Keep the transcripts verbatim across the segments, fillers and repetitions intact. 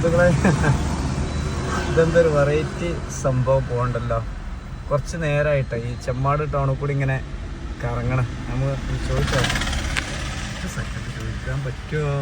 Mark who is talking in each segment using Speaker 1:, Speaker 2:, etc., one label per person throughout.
Speaker 1: സുഹൃത്തുക്കളെ, ഇതെന്തൊരു വെറൈറ്റി സംഭവം പോകണ്ടല്ലോ. കുറച്ച് നേരമായിട്ട് ഈ ചെമ്മാട് ടൗണിൽ കൂടി ഇങ്ങനെ കറങ്ങണം. നമുക്ക് ചോദിച്ചോ, സെക്കൻഡ് ചോദിക്കാൻ പറ്റുമോ?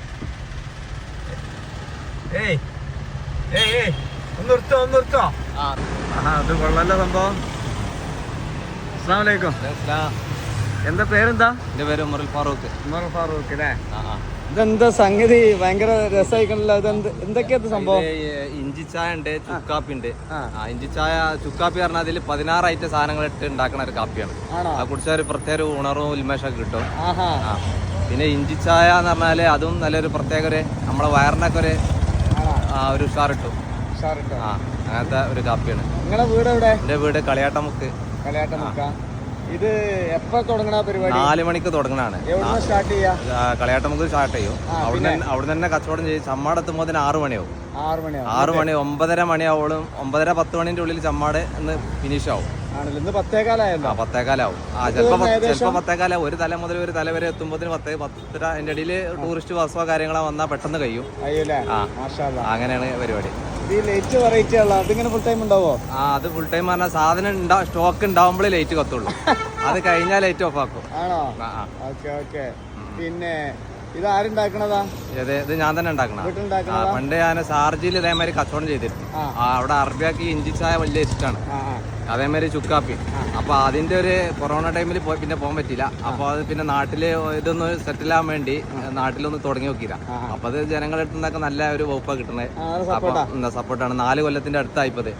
Speaker 1: ഏയ് ഏയ് ഏയ് ഒന്ന് നിർത്തോ ഒന്ന് നിർത്തോ. ആ അത് കൊള്ളല്ലോ സംഭവം. അസ്സലാമു അലൈക്കും. എന്താ പേരെന്താ?
Speaker 2: എന്റെ പേര് ഉമർ ഫാറൂഖ്.
Speaker 1: ഉമർ ഫാറൂഖ് അല്ലേ? ഇതെന്താ സംഗതി? ഭയങ്കര രസമായിക്കണല്ലോ. ഇതെന്ത് എന്തൊക്കെയാ സംഭവം?
Speaker 2: ഇഞ്ചി ചായ ഉണ്ട്, ചുക്കാപ്പി ഉണ്ട്. ഇഞ്ചി ചായ ചുക്കാപ്പി പറഞ്ഞാൽ അതിൽ പതിനാറ് ഐറ്റം സാധനങ്ങൾ ഇട്ട് ഉണ്ടാക്കുന്ന ഒരു കാപ്പിയാണ്. അത് കുടിച്ചാൽ ഒരു പ്രത്യേക ഉണർവും ഉന്മേഷമൊക്കെ കിട്ടും. പിന്നെ ഇഞ്ചി ചായ എന്ന് പറഞ്ഞാല് അതും നല്ലൊരു പ്രത്യേക ഒരു നമ്മളെ വയറിനൊക്കെ ഒരു ഒരു ഉഷാർ കിട്ടും. ആ അങ്ങനത്തെ ഒരു കാപ്പിയാണ്.
Speaker 1: നിങ്ങളുടെ വീട് എവിടെ?
Speaker 2: എന്റെ വീട് കളിയാട്ടമുക്ക്.
Speaker 1: കളിയാട്ടമുക്ക. ഇത് എപ്പോ തുടങ്ങണ പരിപാടി?
Speaker 2: നാല് മണിക്ക് തുടങ്ങണാണ്.
Speaker 1: സ്റ്റാർട്ട് ചെയ്യാ?
Speaker 2: കളിയാട്ടമുക്ക് സ്റ്റാർട്ട് ചെയ്യും. അവിടെ അവിടെ തന്നെ കച്ചവടം ചെയ്യും. ചമ്മാടെത്തുമ്പോൾ ആറ് മണിയാവും. ആറ് മണി ആറ് മണി ഒമ്പതര മണിയാവോളും. ഒമ്പതര പത്ത് മണിന്റെ ഉള്ളിൽ ചമ്മാട് ഇന്ന് ഫിനിഷ് ആവും.
Speaker 1: പത്തേകാലായല്ലോ.
Speaker 2: പത്തേകാലാവും. ആ ചിലപ്പോ ചിലപ്പോ പത്തേകാലാവും. ഒരു തല മുതൽ ഒരു തല വരെ എത്തുമ്പോഴത്തേന് പത്തേ പത്തര. അതിന്റെ ഇടയിൽ ടൂറിസ്റ്റ് ബസ്സോ കാര്യങ്ങളോ വന്നാൽ പെട്ടെന്ന് കഴിയും. അങ്ങനെയാണ് പരിപാടി.
Speaker 1: അതിങ്ങനെ ഫുൾ ടൈം ഉണ്ടാവോ?
Speaker 2: ആ അത് ഫുൾ ടൈം പറഞ്ഞാൽ സാധനം സ്റ്റോക്ക് ഉണ്ടാവുമ്പോഴേ ലൈറ്റ് കത്തുള്ളൂ. അത് കഴിഞ്ഞാൽ ലൈറ്റ് ഓഫ് ആക്കും.
Speaker 1: ആണോ? Okay okay. പിന്നെ ഇത് ആരുണ്ടാക്കണതാ?
Speaker 2: ഇത് ഇത് ഞാൻ തന്നെ ഉണ്ടാക്കണ. പണ്ട് ഞാൻ ഷാർജയിൽ ഇതേമാതിരി കച്ചവടം ചെയ്തിരുന്നു. അവിടെ അറബിയാക്കി ഇഞ്ചി ചായ വലിയ ഇഷ്ടമാണ്. അതേമാതിരി ചുക്കാപ്പി. അപ്പൊ അതിന്റെ ഒരു കൊറോണ ടൈമിൽ പോയി പിന്നെ പോകാൻ പറ്റില്ല. അപ്പൊ അത് പിന്നെ നാട്ടില് ഇതൊന്ന് സെറ്റിൽ ആവാൻ വേണ്ടി നാട്ടിലൊന്ന് തുടങ്ങി നോക്കിയില്ല. അപ്പൊ അത് ജനങ്ങളുടെ അടുത്ത് നിന്നൊക്കെ നല്ല ഒരു വകുപ്പാ കിട്ടുന്നത്. അപ്പൊ എന്താ സപ്പോർട്ടാണ്. നാല് കൊല്ലത്തിന്റെ അടുത്തായിപ്പത്.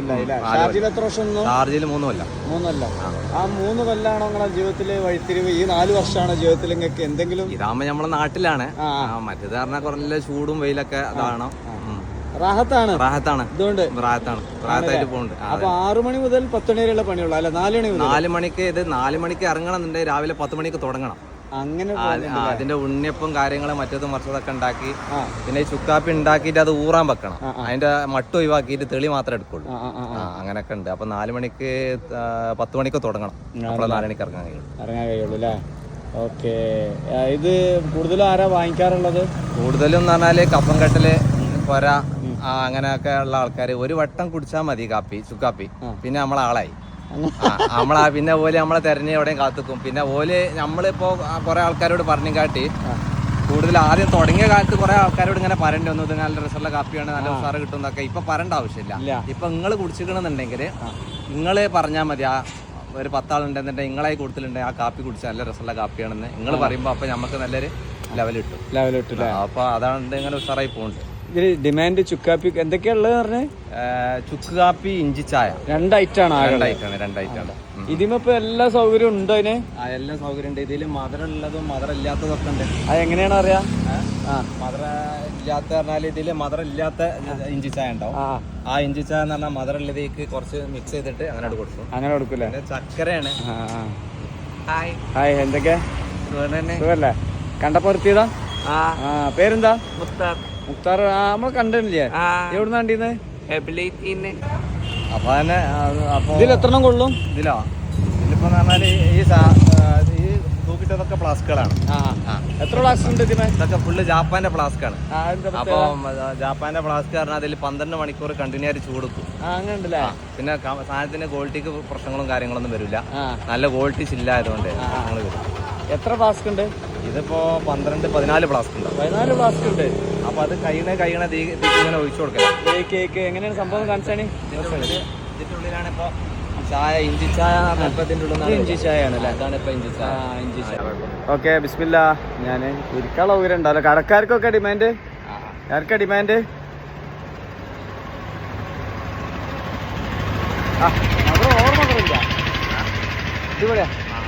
Speaker 2: ഷാർജയിൽ മൂന്ന് കൊല്ലം.
Speaker 1: മൂന്നല്ല. ആ മൂന്ന് കൊല്ലാണോ നിങ്ങളുടെ ജീവിതത്തില് വഴിത്തിരിവ്? ഈ നാല് വർഷമാണോ ജീവിതത്തിൽ നിങ്ങൾക്ക് എന്തെങ്കിലും?
Speaker 2: ഇതാകുമ്പോ നമ്മളെ നാട്ടിലാണ്. മറ്റേത് പറഞ്ഞാൽ കുറഞ്ഞ ചൂടും വെയിലൊക്കെ അതാണോ.
Speaker 1: റാഹത്താണ്.
Speaker 2: റാഹത്താണ്.
Speaker 1: ഇതുകൊണ്ട്
Speaker 2: റാഹത്താണ്. റാഹത്തായിട്ട് പോകുന്നുണ്ട്.
Speaker 1: അപ്പൊ ആറു മണി മുതൽ പത്ത് മണി വരെയുള്ള പണിയുള്ളൂ അല്ലെ? നാല് മണി
Speaker 2: നാല് മണിക്ക് ഇത് നാല് മണിക്ക് ഇറങ്ങണം എന്നുണ്ടെങ്കിൽ രാവിലെ പത്ത് മണിക്ക് തുടങ്ങണം.
Speaker 1: അങ്ങനെ
Speaker 2: അതിന്റെ ഉണ്ണിയപ്പം കാര്യങ്ങളും മറ്റേതും മറിച്ചതൊക്കെ ഉണ്ടാക്കി പിന്നെ ഈ ചുക്കാപ്പി ഉണ്ടാക്കിയിട്ട് അത് ഊറാൻ വെക്കണം. അതിന്റെ മട്ട് ഒഴിവാക്കിയിട്ട് തെളി മാത്രമേ എടുക്കുള്ളൂ. അങ്ങനെയൊക്കെ ഉണ്ട്. അപ്പൊ നാല് മണിക്ക് പത്ത് മണിക്ക് തുടങ്ങണം. അപ്പോൾ നാല് മണിക്ക് ഇറങ്ങാൻ കഴിയുള്ളൂ.
Speaker 1: ഇറങ്ങാൻ കഴിയുള്ളൂ അല്ലേ? ഓക്കെ. ഇത് കൂടുതലും ആരാ വാങ്ങിക്കാറുള്ളത്?
Speaker 2: കൂടുതലും എന്ന് പറഞ്ഞാല് കപ്പംകെട്ടല്, കൊര, അങ്ങനെയൊക്കെ ഉള്ള ആൾക്കാർ ഒരു വട്ടം കുടിച്ചാൽ മതി കാപ്പി ചുക്കാപ്പി. പിന്നെ നമ്മളെ ആളായി. നമ്മളാ പിന്നെ ഓല് നമ്മളെ തെരഞ്ഞ് എവിടെയും കാത്തുക്കും. പിന്നെ ഓല് നമ്മളിപ്പോ കുറെ ആൾക്കാരോട് പറഞ്ഞു കാട്ടി കൂടുതൽ ആദ്യം തുടങ്ങിയ കാലത്ത് കുറെ ആൾക്കാരോട് ഇങ്ങനെ പറയേണ്ടി വന്നു, ഇത് നല്ല രസമുള്ള കാപ്പിയാണ്, നല്ല ഉസാറ് കിട്ടും എന്നൊക്കെ. ഇപ്പൊ പറയേണ്ട ആവശ്യമില്ല. ഇപ്പൊ നിങ്ങൾ കുടിച്ചിക്കണമെന്നുണ്ടെങ്കിൽ നിങ്ങൾ പറഞ്ഞാൽ മതി. ആ ഒരു പത്താളുണ്ടെന്നുണ്ടെങ്കിൽ നിങ്ങളായി കൂടുതലുണ്ടെങ്കിൽ ആ കാപ്പി കുടിച്ചാൽ നല്ല രസമുള്ള കാപ്പിയാണെന്ന് നിങ്ങൾ പറയുമ്പോൾ അപ്പൊ നമുക്ക് നല്ലൊരു ലെവൽ കിട്ടും. ലെവൽ കിട്ടും. അപ്പൊ അതാണ് ഇങ്ങനെ ഉഷാറായി പോകുന്നുണ്ട്.
Speaker 1: ഇതില് ഡിമാൻഡ് ചുക്കാപ്പി എന്തൊക്കെയാ ഉള്ളത് പറഞ്ഞേ?
Speaker 2: ചുക്ക് കാപ്പി, ഇഞ്ചി ചായ
Speaker 1: രണ്ടായിട്ടാണ്.
Speaker 2: രണ്ടായിട്ടാണ് രണ്ടായിട്ടാണ്
Speaker 1: ഇതിമിപ്പോ എല്ലാ സൗകര്യവും ഉണ്ടോ? അതിന്
Speaker 2: എല്ലാ സൗകര്യം ഉണ്ട്. ഇതിൽ മധുരം ഉള്ളതും മധുരം ഇല്ലാത്തതും ഒക്കെ ഉണ്ട്.
Speaker 1: അത് എങ്ങനെയാണ് അറിയാ?
Speaker 2: മധുരം ഇല്ലാത്ത പറഞ്ഞാൽ ഇതില് മധുരം ഇല്ലാത്ത ഇഞ്ചി ചായ ഉണ്ടാവും. ആ ഇഞ്ചി ചായ എന്ന് പറഞ്ഞാൽ മധുരം ഉള്ളതേക്ക് കുറച്ച് മിക്സ് ചെയ്തിട്ട് അങ്ങനെ കൊടുക്കും.
Speaker 1: അങ്ങനെ കൊടുക്കൂലേ?
Speaker 2: ചക്കരയാണ്.
Speaker 1: Hi hi. എന്തൊക്കെയാ സുഖല്ലേ? കണ്ടപ്പോ നിർത്തിയതാ? പേരെന്താ?
Speaker 2: മുക്താർ.
Speaker 1: മുക്താർ. നമ്മൾ കണ്ടില്ലേ? എവിടുന്ന കണ്ടീന്ന്?
Speaker 2: അപ്പൊ തന്നെ
Speaker 1: ഇതിൽ എത്ര കൊള്ളും?
Speaker 2: ഇതിലോ ഇതിലിപ്പോ പറഞ്ഞാല് ഈ ഈ തൂക്കിട്ടതൊക്കെ ഫ്ലാസ്കുകളാണ്.
Speaker 1: എത്ര ഫ്ലാസ്ക് ഉണ്ട് ഇതിന്?
Speaker 2: ഇതൊക്കെ ഫുള്ള് ജാപ്പാന്റെ ഫ്ലാസ്ക് ആണ്. അപ്പൊ ജാപ്പാന്റെ ഫ്ലാസ്ക് പറഞ്ഞാൽ അതിൽ പന്ത്രണ്ട് മണിക്കൂർ കണ്ടിന്യൂ ആയിട്ട് ചൂടുക്കും.
Speaker 1: അങ്ങനെ ഉണ്ടല്ലേ?
Speaker 2: പിന്നെ സാധനത്തിന്റെ ക്വാളിറ്റിക്ക് പ്രശ്നങ്ങളും കാര്യങ്ങളൊന്നും വരില്ല. നല്ല ക്വാളിറ്റി ചില്ലായതുകൊണ്ട് ഞങ്ങൾ വരും.
Speaker 1: എത്ര ഫ്ലാസ്ക് ഉണ്ട്? ഇതിപ്പോ
Speaker 2: പന്ത്രണ്ട് പതിനാല് ഫ്ലാസ്ക് ഉണ്ട്.
Speaker 1: പതിനാല് ഫ്ലാസ്ക് ഉണ്ട്.
Speaker 2: അപ്പൊ അത് കഴിയണ കഴിയണ ഇങ്ങനെ ഒഴിച്ചു കൊടുക്കാം.
Speaker 1: കേക്ക് എങ്ങനെയാണ് സംഭവം കാണിച്ചാണ്?
Speaker 2: ഇതിന്റെ ഉള്ളിലാണ് ഇപ്പൊ ചായ, ഇഞ്ചി ചായ.
Speaker 1: ഇഞ്ചി ചായ ആണല്ലേ?
Speaker 2: അതാണ് ഇപ്പൊ ഇഞ്ചി ചായ. ഇഞ്ചി ചായ.
Speaker 1: ഓക്കെ ബിസ്മില്ലാ. ഞാൻ ഇരിക്കാനുള്ള ഊര ഉണ്ടല്ലോ. കടക്കാർക്കൊക്കെ ഡിമാൻഡ്? ആർക്കാ ഡിമാൻഡ്? അത് ഓർമ്മകളില്ല. ഇതുപോലെയാ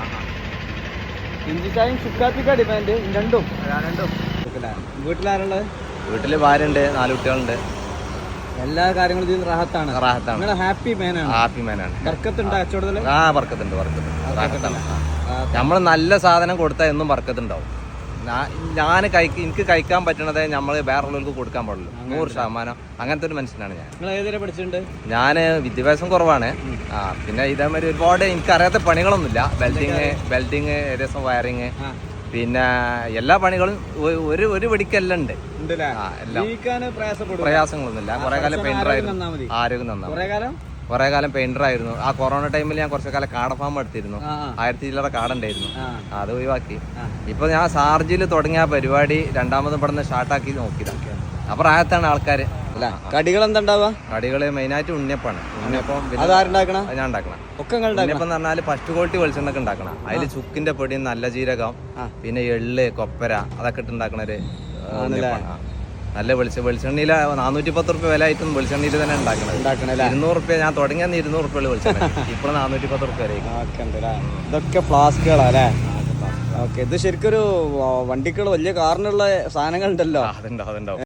Speaker 1: ഇഞ്ചി ചായയും ചുക്കാപ്പിക്കാ ഡിമാൻഡ്? രണ്ടും രണ്ടും വീട്ടിലാരുള്ളത്?
Speaker 2: വീട്ടില് ഭാര്യ ഉണ്ട്, നാല് കുട്ടികളുണ്ട്.
Speaker 1: എല്ലാ കാര്യങ്ങളും ഇതിൽ റാഹത്താണ്.
Speaker 2: റാഹത്താണ്.
Speaker 1: ഹാപ്പി മാനാണ്.
Speaker 2: ഹാപ്പി മാനാണ്.
Speaker 1: ബർക്കത്തുണ്ട് കച്ചവടത്തില്?
Speaker 2: ആ ബർക്കത്തുണ്ട്. ബർക്കത്തുണ്ട്. നമ്മള് നല്ല സാധനം കൊടുത്താൽ എന്നും ബർക്കത്തുണ്ടാവും. ഞാൻ കഴിക്ക എനിക്ക് കഴിക്കാൻ പറ്റണത് നമ്മൾ വേറുള്ളവർക്ക് കൊടുക്കാൻ പാടുള്ളൂ. നൂറ് ശതമാനം അങ്ങനത്തെ ഒരു മനുഷ്യനാണ് ഞാൻ.
Speaker 1: നിങ്ങൾ ഏതുവരെ പഠിച്ചിട്ടുണ്ട്?
Speaker 2: ഞാൻ വിദ്യാഭ്യാസം കുറവാണ്. ആ പിന്നെ ഇതേമാതിരി ഒരുപാട് എനിക്കറിയാത്ത പണികളൊന്നുമില്ല. വെൽഡിങ് വെൽഡിങ് ഏകദേശം വയറിങ് പിന്നെ എല്ലാ പണികളും ഒ- ഒരു ഒരു വെടിക്കെല്ലാം ഉണ്ട്.
Speaker 1: ഉണ്ടല്ലേ?
Speaker 2: ആ, എല്ലാം
Speaker 1: ജീവിക്കാന് പ്രയാസപ്പെടും.
Speaker 2: പ്രയാസങ്ങളൊന്നുമില്ല. കുറെ കാലം പെയിന്റർ ആയിരുന്നു,
Speaker 1: നന്നാ മതി.
Speaker 2: ആരോഗ്യം നന്നാ
Speaker 1: കുറെ കാലം
Speaker 2: കുറെ കാലം പെയിന്റർ ആയിരുന്നു. ആ കൊറോണ ടൈമിൽ ഞാൻ കുറച്ചു കാലം കാട ഫാം എടുത്തിരുന്നു.
Speaker 1: ആ, ആ.
Speaker 2: ആയിരത്തി ചില്ലറ കാടുണ്ടായിരുന്നു,
Speaker 1: ആ.
Speaker 2: അത് ഒഴിവാക്കി.
Speaker 1: ആ.
Speaker 2: ഇപ്പൊ ഞാൻ ഷാർജിൽ തുടങ്ങിയ ആ പരിപാടി രണ്ടാമതും ഇവിടുന്ന് സ്റ്റാർട്ടാക്കി നോക്കിയതാണ്. അപ്പൊ പ്രായത്താണ് ആൾക്കാര്.
Speaker 1: അല്ല കടികൾ എന്താ ഉണ്ടാവുക?
Speaker 2: കടികള് മെയിനായിട്ട് ഉണ്ണിയപ്പാണ്. ഉണ്ണിയപ്പം പിന്നെ
Speaker 1: അതാരുണ്ടാക്കണ?
Speaker 2: അത് ഞാൻ ഉണ്ടാക്കണം.
Speaker 1: ഒക്കെ നിങ്ങൾ
Speaker 2: ഉണ്ണിയപ്പം എന്ന് പറഞ്ഞാല് ഫസ്റ്റ് ക്വാളിറ്റി വെളിച്ചെണ്ണൊക്കെ ഉണ്ടാക്കണം. അതില് ചുക്കിന്റെ പൊടി, നല്ല ജീരകം, പിന്നെ എള്ള്, കൊപ്പര അതൊക്കെ ഇട്ട് ഉണ്ടാക്കണ ഒരു ഉണ്ണിയപ്പാണ്. ആ. നല്ല വെളിച്ച വെളിച്ചെണ്ണയിൽ നാനൂറ്റി പത്ത് റുപ്യ വില ആയിട്ടും വെളിച്ചെണ്ണയിൽ തന്നെ ഉണ്ടാക്കണത്.
Speaker 1: ഉണ്ടാക്കണല്ലേ?
Speaker 2: ഇരുന്നൂറ് റുപ്യ ഞാൻ തുടങ്ങിയ ഇരുന്നൂറ് റുപ്യ വെളിച്ചെണ്ണ, ഇപ്പോൾ നാനൂറ്റി പത്ത് റുപ്യ വരെ.
Speaker 1: ഇതൊക്കെ ഫ്ലാസ്കുകളാ അല്ലേ? ഓക്കെ, ഇത് ശരിക്കൊരു വണ്ടിക്കുള്ള വലിയ കാറിനുള്ള സാധനങ്ങൾ ഉണ്ടല്ലോ.
Speaker 2: അതുണ്ടാവും അതുണ്ടാവും